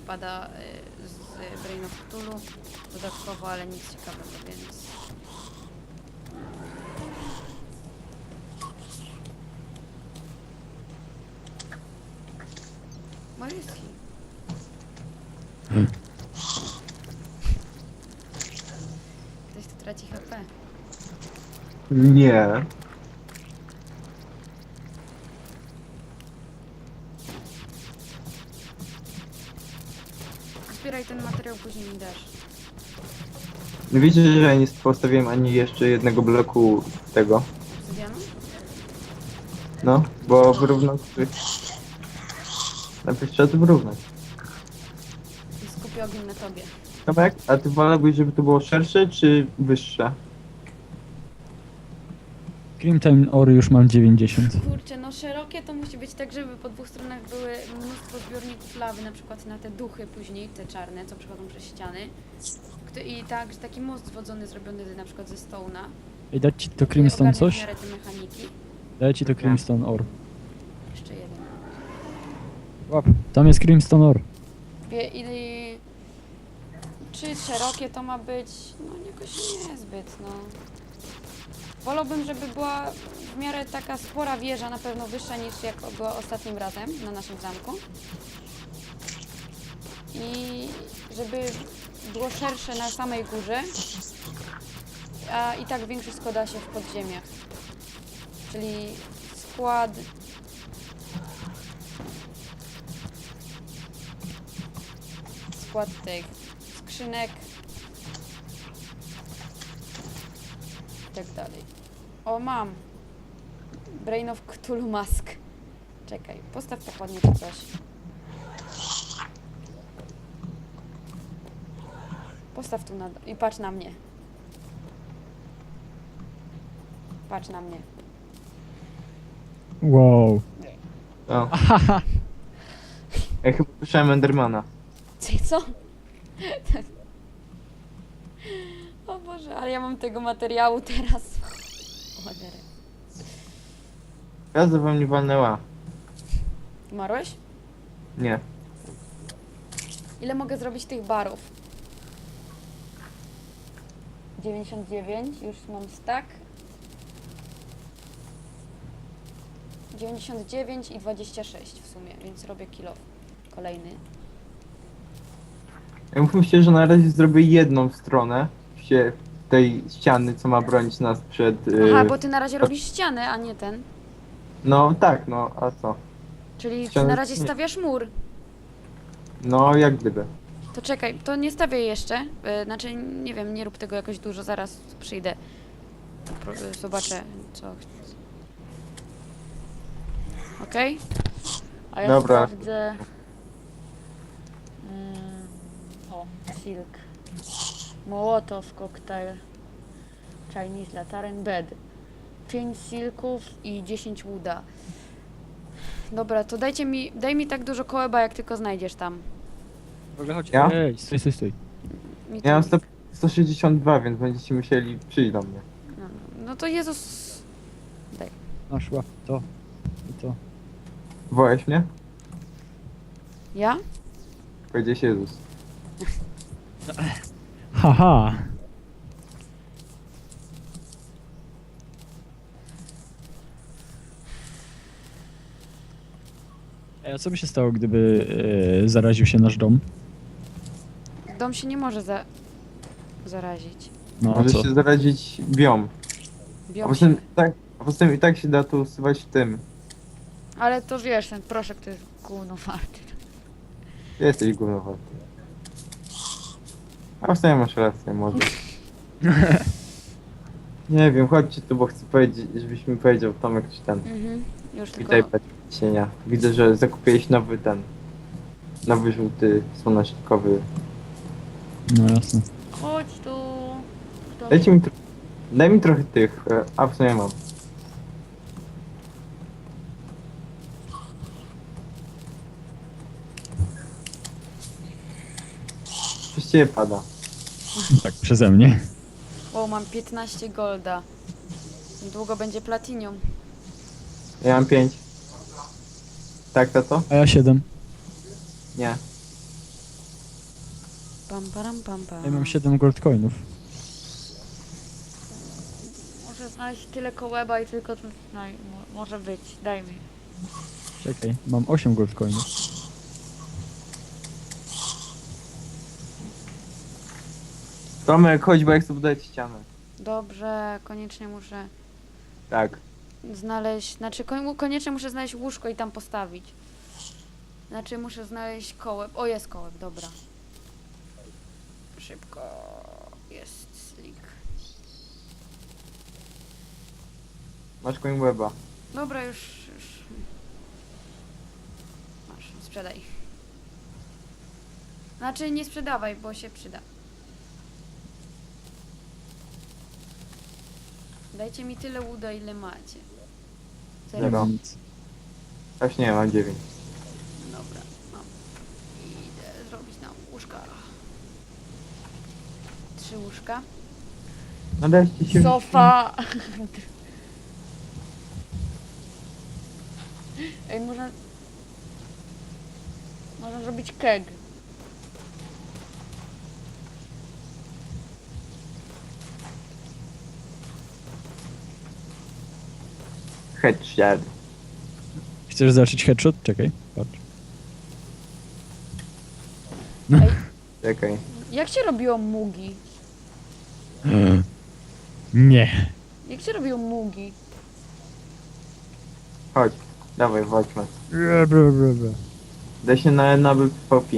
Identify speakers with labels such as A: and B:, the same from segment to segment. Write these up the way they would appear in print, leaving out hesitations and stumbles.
A: wpada z Brain of Cthulhu dodatkowo, ale nic ciekawego, więc... Maryski. Ktoś tu traci HP.
B: Nie.
A: Zbieraj ten materiał, później mi dasz.
B: Wiecie, że ja nie postawiłem ani jeszcze jednego bloku tego.
A: Obsydianu?
B: No, bo wyrównać... Najpierw trzeba to wyrównać.
A: I skupię ogień na tobie.
B: Tomek, a ty wolałbyś, żeby to było szersze czy wyższe?
C: Grimtime Ore już mam 90.
A: Kurczę, no szerokie to musi być tak, żeby po dwóch stronach były mnóstwo zbiorników lawy, na przykład na te duchy później, te czarne, co przechodzą przez ściany. I tak, że taki most zwodzony zrobiony na przykład ze stołna.
C: Ej, dać ci to Crimstone
A: W
C: coś?
A: miarę te mechaniki.
C: Daj ci to Crimstone Ore.
A: Jeszcze jeden.
C: Łap, tam jest Crimstone Ore.
A: I czy szerokie to ma być? No jakoś niezbyt, no. Wolałbym, żeby była w miarę taka spora wieża, na pewno wyższa niż jak była ostatnim razem na naszym zamku. I żeby było szersze na samej górze, a i tak większość składa się w podziemiach. Czyli skład tych skrzynek i tak dalej. O, mam! Brain of Cthulhu Mask. Czekaj, postaw pochodnie czy coś. Postaw tu i patrz na mnie. Patrz na mnie.
C: Wow.
B: O. Ja chyba słyszałem Endermana.
A: Co? O Boże, ale ja mam tego materiału teraz. Cholera.
B: Gwiazda wam nie walnęła.
A: Umarłeś?
B: Nie.
A: Ile mogę zrobić tych barów? 99, już mam stack. 99 i 26 w sumie, więc robię kilo kolejny.
B: Ja mówię, że na razie zrobię jedną stronę tej ściany, co ma bronić nas przed...
A: Aha, bo ty na razie robisz ścianę, a nie ten.
B: No tak, no, a co?
A: Czyli ty
B: Ścianę-
A: na razie
B: nie.
A: stawiasz mur.
B: No, jak gdyby.
A: To czekaj, to nie stawiaj jeszcze. Znaczy, nie wiem, nie rób tego jakoś dużo, zaraz przyjdę. Zobaczę, co chcę. Okej? A ja
B: Dobra.
A: sprawdzę... O, silk. Mołotow, koktajl. Chinese Lataren Bed. 5 silków i 10 łuda. Dobra, to daj mi tak dużo kołeba, jak tylko znajdziesz tam.
C: W ogóle chodź.
B: Ja?
C: Ej, stój.
A: Mi
B: Ja mam
A: to-
B: 162, więc będziecie musieli przyjść do mnie.
A: No to Jezus... Daj.
C: Masz, łap to. I to.
B: Wołałeś mnie?
A: Ja?
B: Powiedziałeś Jezus.
C: Haha. Ej, a co by się stało, gdyby zaraził się nasz dom?
A: Dom się nie może zarazić.
C: No a
B: Może
C: co?
B: się zarazić biom. A
A: Bią
B: poza
A: się.
B: tym, a poza tym i tak się da to usuwać tym.
A: Ale to wiesz, ten proszek to jest gówno warty.
B: Jesteś gównowaty. A w sumie masz rację, może. Nie wiem, chodźcie tu, bo chcę powiedzieć, żebyś mi powiedział Tomek czy ten.
A: Już tylko...
B: Witaj, Patricienia. Widzę, że zakupiłeś nowy ten. Nowy żółty słonecznikowy.
C: No jasne.
A: Chodź tu. Kto-
B: Dajcie mi daj mi trochę tych, a w sumie mam. Przez ciebie pada.
C: Tak, przeze mnie.
A: O, mam 15 golda. Niedługo będzie platinium.
B: Ja mam 5. Tak, tato?
C: A ja 7.
B: Nie.
A: pam, param, pam, pam.
C: Ja mam 7 gold coinów.
A: Muszę znaleźć tyle kołeba i tylko tu... No, może być, daj mi.
C: Czekaj, mam 8 gold coinów.
B: Tomek, chodź, bo jak chcę budować ścianę.
A: Dobrze, koniecznie muszę
B: Tak.
A: znaleźć... Znaczy, koniecznie muszę znaleźć łóżko i tam postawić. Znaczy, muszę znaleźć kołeb. O, jest kołeb, dobra. Szybko. Jest slick.
B: Masz coin weba.
A: Dobra, już... Masz, sprzedaj. Znaczy, nie sprzedawaj, bo się przyda. Dajcie mi tyle łuda, ile macie.
C: Nie
B: Zero.
C: mam nic.
B: Aż nie, mam 9.
A: Dobra, mam. Idę zrobić nam łóżka. 3 łóżka.
B: No dajcie się...
A: Sofa! Ej, można... Można zrobić keg.
B: Headshot.
C: Chcesz zacząć headshot? Czekaj, patrz.
A: Ej,
B: Czekaj.
A: jak się robiło mugi?
C: Nie.
A: Jak się robiło mugi?
B: Chodź. Dawaj, chodźmy.
C: Bra, bra, bra, bra.
B: Da się na PvP.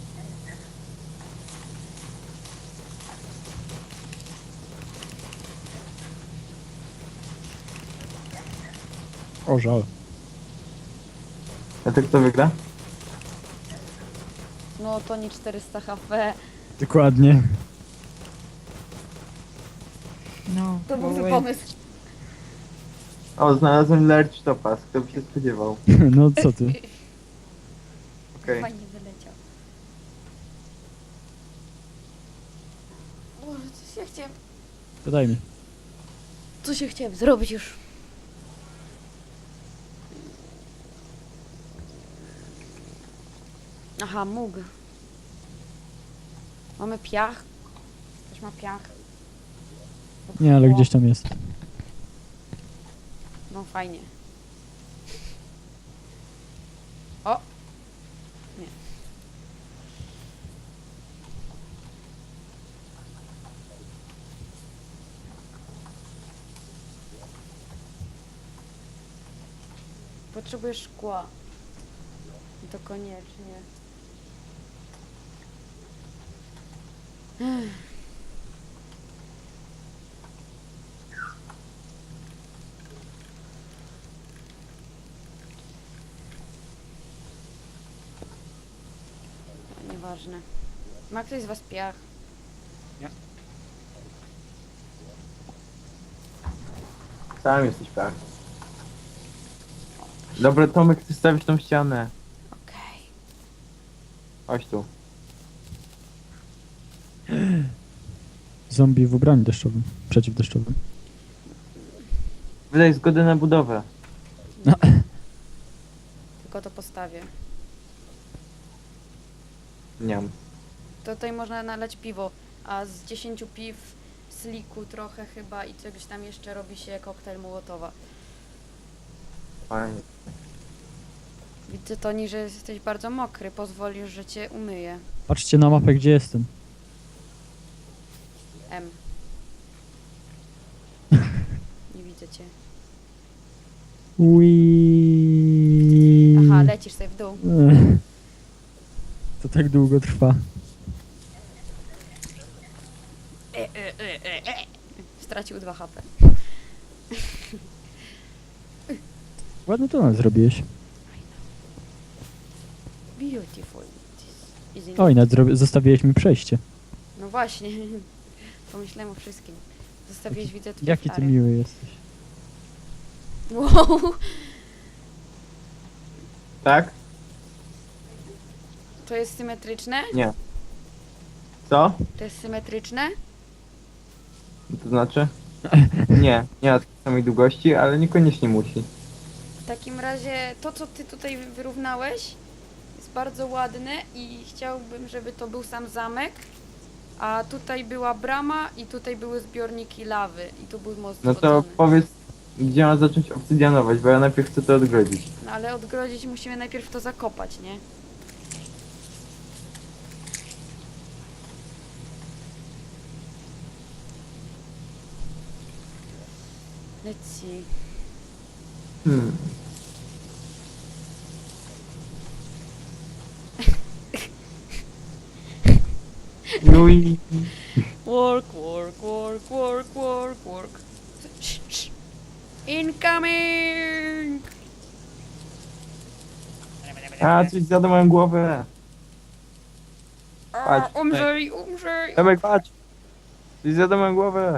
C: O, żal.
B: A to kto wygra?
A: No to nie 400 HP.
C: Dokładnie.
D: No,
A: To był
D: bo
A: zły
D: wait.
A: pomysł.
B: O, znalazłem Large Topaz. Kto by się spodziewał?
C: No co ty?
B: Okej.
A: Fajnie wyleciał. O, coś ja chciałem...
C: Podaj mi.
A: Coś ja chciałem zrobić już. Aha, mógł. Mamy piach. Ktoś ma piach.
C: Nie, ale
A: O,
C: gdzieś tam jest.
A: No fajnie. O! Nie. Potrzebuję szkła. I to koniecznie. Nieważne. Ma ktoś z was piach?
B: Sam jesteś pewny. Dobra, Tomek, ty stawisz tą ścianę.
A: Okej.
B: Chodź tu.
C: Zombie w ubraniu deszczowym. Przeciwdeszczowym.
B: Wydaj zgodę na budowę.
A: Tylko to postawię.
B: Nie mam.
A: To tutaj można nalać piwo, a z 10 piw, sliku trochę chyba i czegoś tam jeszcze robi się koktajl Mołotowa.
B: Fajnie.
A: Widzę, Toni, że jesteś bardzo mokry. Pozwolisz, że cię umyję.
C: Patrzcie na mapę, gdzie jestem.
A: M. Nie widzę cię.
C: Ui.
A: Aha, lecisz sobie w dół.
C: To tak długo trwa.
A: Stracił 2 HP.
C: Ładny tunel zrobiłeś.
A: Beautiful. This is
C: Oj, nawet zostawiłeś mi przejście.
A: No właśnie. Pomyślałem o wszystkim. Zostawiłeś, widzę, twoje
C: Jaki ty
A: flary.
C: miły jesteś.
A: Wow.
B: Tak?
A: To jest symetryczne?
B: Nie. Co?
A: To jest symetryczne?
B: To znaczy? Nie, nie ma takiej samej długości, ale niekoniecznie musi.
A: W takim razie to, co ty tutaj wyrównałeś, jest bardzo ładne i chciałbym, żeby to był sam zamek A tutaj była brama i tutaj były zbiorniki lawy i tu był most
B: No to
A: wodzony.
B: powiedz, gdzie ma zacząć obsydianować, bo ja najpierw chcę to odgrodzić.
A: No ale odgrodzić musimy najpierw to zakopać, nie? Let's see.
B: Hmm. No i...
A: Work, work, work, work, work, work. Incoming!
B: A, coś zjada moją głowę.
A: A,
B: Patrz,
A: umrzyj, umrzyj!
B: Tomek, patrz! Coś zjada moją głowę.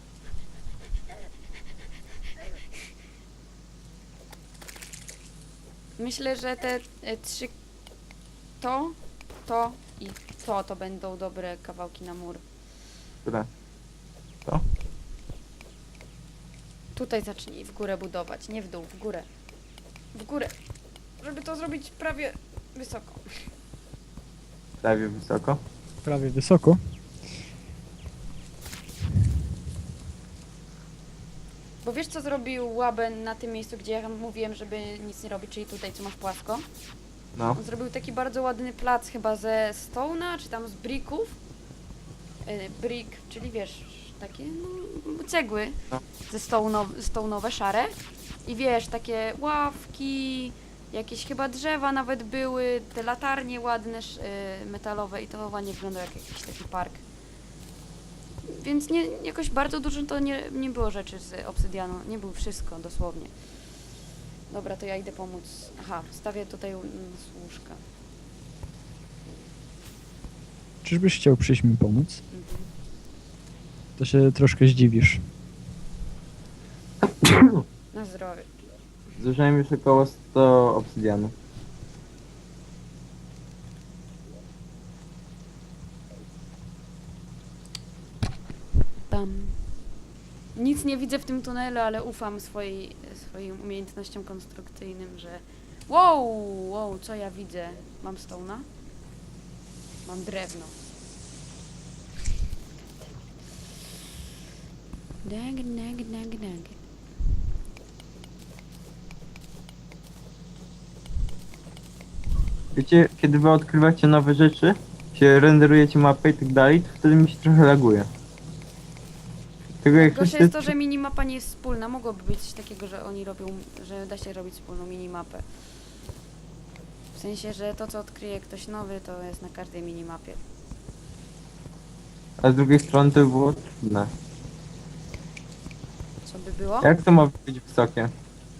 A: Myślę, że te trzy... To i to będą dobre kawałki na mur.
B: Które?
A: Tutaj zacznij w górę budować, nie w dół, w górę. W górę. Żeby to zrobić prawie wysoko.
B: Prawie wysoko.
C: Prawie wysoko.
A: Bo wiesz, co zrobił Łaben na tym miejscu, gdzie ja mówiłem, żeby nic nie robić, czyli tutaj, co masz płasko?
B: No.
A: On zrobił taki bardzo ładny plac, chyba ze stone'a, czy tam z bricków. Brick, czyli wiesz, takie no, cegły
B: No.
A: ze stone'owe, szare. I wiesz, takie ławki, jakieś chyba drzewa nawet były, te latarnie ładne, metalowe i to ładnie wyglądał jak jakiś taki park. Więc nie, jakoś bardzo dużo to nie było rzeczy z obsydianu, nie było wszystko dosłownie. Dobra, to ja idę pomóc. Aha, stawię tutaj łóżka.
C: Czyżbyś chciał przyjść mi pomóc?
A: Mhm.
C: To się troszkę zdziwisz.
A: Na zdrowie.
B: Zużyłem już około 100 obsydianu.
A: Tam. Nic nie widzę w tym tunelu, ale ufam swoim umiejętnościom konstrukcyjnym, że... Wow, co ja widzę? Mam stone'a? Mam drewno. Dag.
B: Wiecie, kiedy wy odkrywacie nowe rzeczy, się renderujecie mapę i tak dalej, to wtedy mi się trochę laguje. Tego jak
A: Gorsze
B: ktoś
A: jest to, że minimapa nie jest wspólna. Mogłoby być coś takiego, że oni robią, że da się robić wspólną minimapę. W sensie, że to, co odkryje ktoś nowy, to jest na każdej minimapie.
B: A z drugiej strony to by było trudne.
A: Co by było?
B: Jak to ma być wysokie?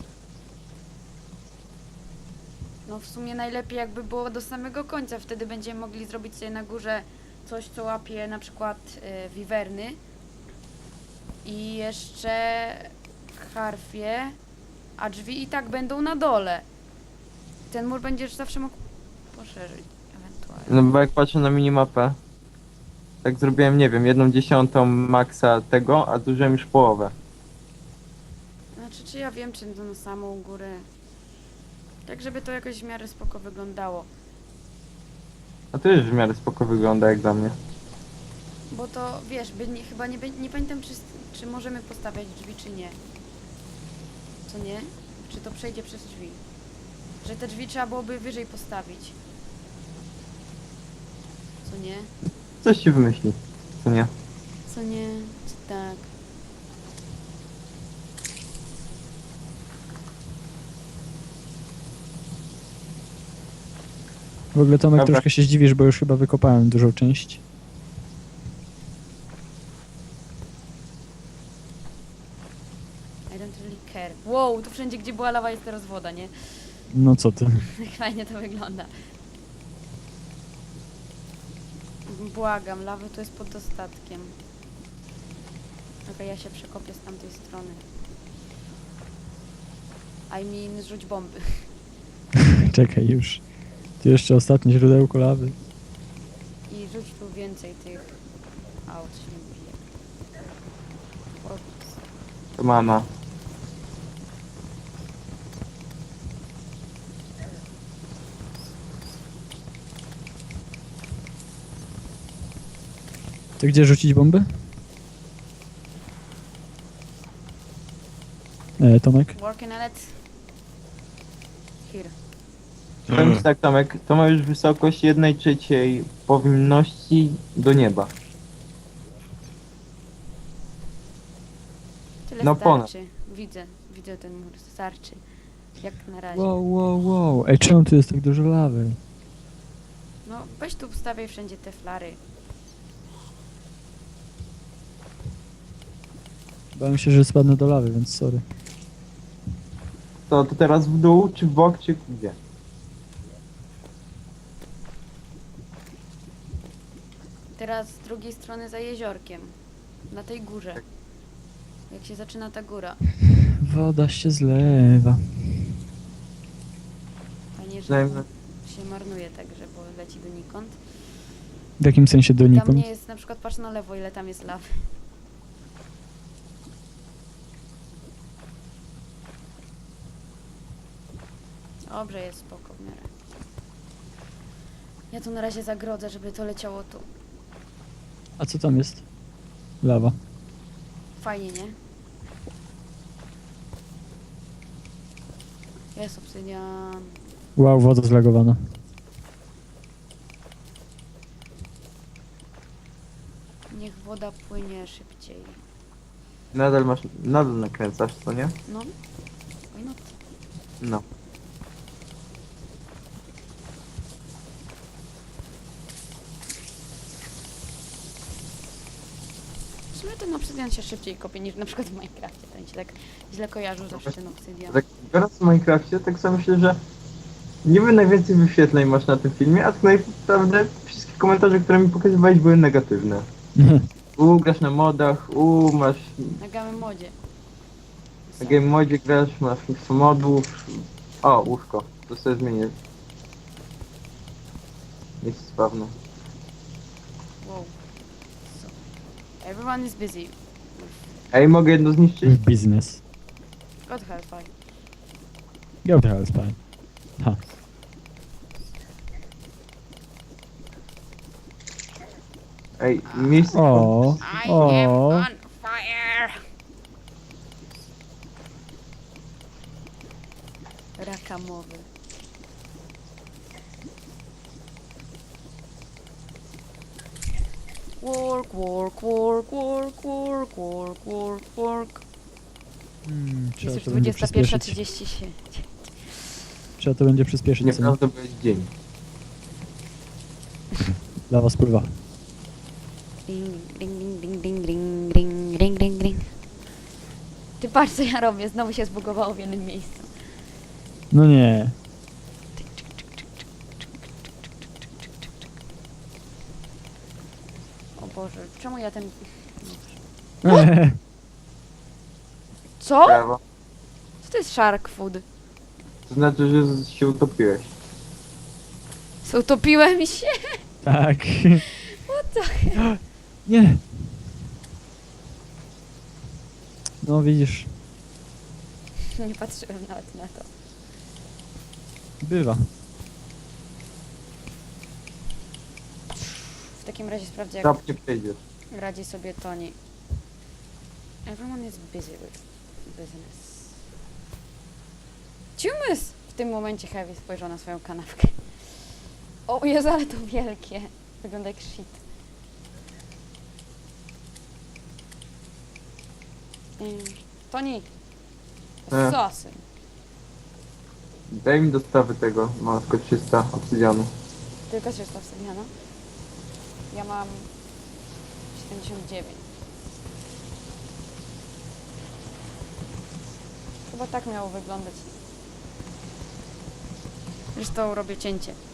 A: No w sumie najlepiej jakby było do samego końca. Wtedy będziemy mogli zrobić sobie na górze coś, co łapie na przykład wiwerny. I jeszcze harfie, a drzwi i tak będą na dole. Ten mur będziesz zawsze mógł poszerzyć ewentualnie.
B: No bo jak patrzę na minimapę, tak zrobiłem, nie wiem, 1/10 maksa tego, a zużyłem już połowę.
A: Znaczy, czy ja wiem, czy to na samą górę. Tak, żeby to jakoś w miarę spoko wyglądało.
B: A to już w miarę spoko wygląda jak dla mnie.
A: Bo to, wiesz, chyba nie pamiętam, czy możemy postawiać drzwi, czy nie. Co nie? Czy to przejdzie przez drzwi? Że te drzwi trzeba byłoby wyżej postawić. Co nie?
B: Coś się wymyśli, co nie?
A: Co nie? Czy tak?
C: W ogóle Tomek
B: Dobra.
C: troszkę się zdziwisz, bo już chyba wykopałem dużą część.
A: I don't really care. Wow, tu wszędzie, gdzie była lawa, jest teraz woda, nie?
C: No co ty?
A: Jak fajnie to wygląda. Błagam, lawy to jest pod dostatkiem. Okej, ja się przekopię z tamtej strony. I mean, rzuć bomby.
C: Czekaj już. Tu jeszcze ostatnie źródełko lawy.
A: I rzuć tu więcej tych... Aut się nie bije. Ups.
B: To mama.
C: To gdzie rzucić bomby? Tomek?
A: Working on it. Here.
B: Powiem ci tak, Tomek, to ma już wysokość 1/3 powinności do nieba.
A: Tyle
B: No ponad.
A: starczy. Widzę ten mur, starczy. Jak na razie.
C: Wow. Ej, czemu tu jest tak dużo lawy?
A: No, weź tu ustawiaj wszędzie te flary.
C: Bałem się, że spadnę do lawy, więc sorry.
B: To teraz w dół, czy w bok, czy gdzie?
A: Teraz z drugiej strony za jeziorkiem. Na tej górze. Jak się zaczyna ta góra.
C: Woda się zlewa.
A: Fajnie, że
B: Przynajmniej-
A: się marnuje także, bo leci donikąd.
C: W jakim sensie
A: Tam
C: donikąd?
A: nie jest, na przykład patrz na lewo, ile tam jest lawy. Dobrze, jest spoko w miarę. Ja tu na razie zagrodzę, żeby to leciało tu.
C: A co tam jest? Lawa.
A: Fajnie, nie? Jest obsydian.
C: Wow, woda zlagowana.
A: Niech woda płynie szybciej.
B: Nadal nakręcasz, co nie?
A: No. Why not?
B: No.
A: W sumie ten obsydian się szybciej kopie niż na przykład w Minecrafcie. Ten się tak źle kojarzył zawsze ten obsydian.
B: Tak biorąc w Minecrafcie, tak sobie myślę, że niby najwięcej wyświetleń masz na tym filmie, a tak naprawdę wszystkie komentarze, które mi pokazywałeś, były negatywne. Grasz na modach, masz
A: Na game modzie.
B: na game modzie grasz, masz mnóstwo modów. O, łóżko, to sobie zmienię. Jest spawno.
A: Wow. So, everyone is busy.
B: Ej, mogę jedno zniszczyć?
C: Biznes.
A: God help I.
C: Go to hell, spine. Ha.
B: Ej, miejsce...
C: O.
A: I am
C: O.
A: on fire! Rakamowy. Work, work, work, work, work, work, work, work.
C: Trzeba
A: Jest
C: to
A: już
C: będzie przyspieszyć.
A: 21:30.
C: Trzeba to będzie przyspieszyć. co nie?
B: Nieprawda, bo jest dzień.
C: Lawa spływa.
A: Ding, ding, ding, ding, ding, ding, ding, ding, ding. Ty patrz co ja robię, znowu się zbugowało w jednym miejscu.
C: No nie.
A: O Boże, czemu ja ten... Co?
B: Brawo.
A: Co to jest shark food?
B: To znaczy, że się utopiłeś.
A: Utopiłem się?
C: Tak.
A: What the...
C: Nie. No widzisz,
A: Nie patrzyłem nawet na to.
C: bywa.
A: W takim razie sprawdzę jak
B: Trap nie przejdziesz.
A: radzi sobie Toni. Everyone is busy with business. Ciumys! W tym momencie Heavy spojrzał na swoją kanapkę. O Jezu, ale to wielkie. Wygląda jak shit. Toni!
B: E.
A: Z sosem.
B: Daj mi dostawy tego, mam tylko 300 obsydianu.
A: Tylko 300 obsydiana. Ja mam 79. Chyba tak miało wyglądać. Zresztą robię cięcie.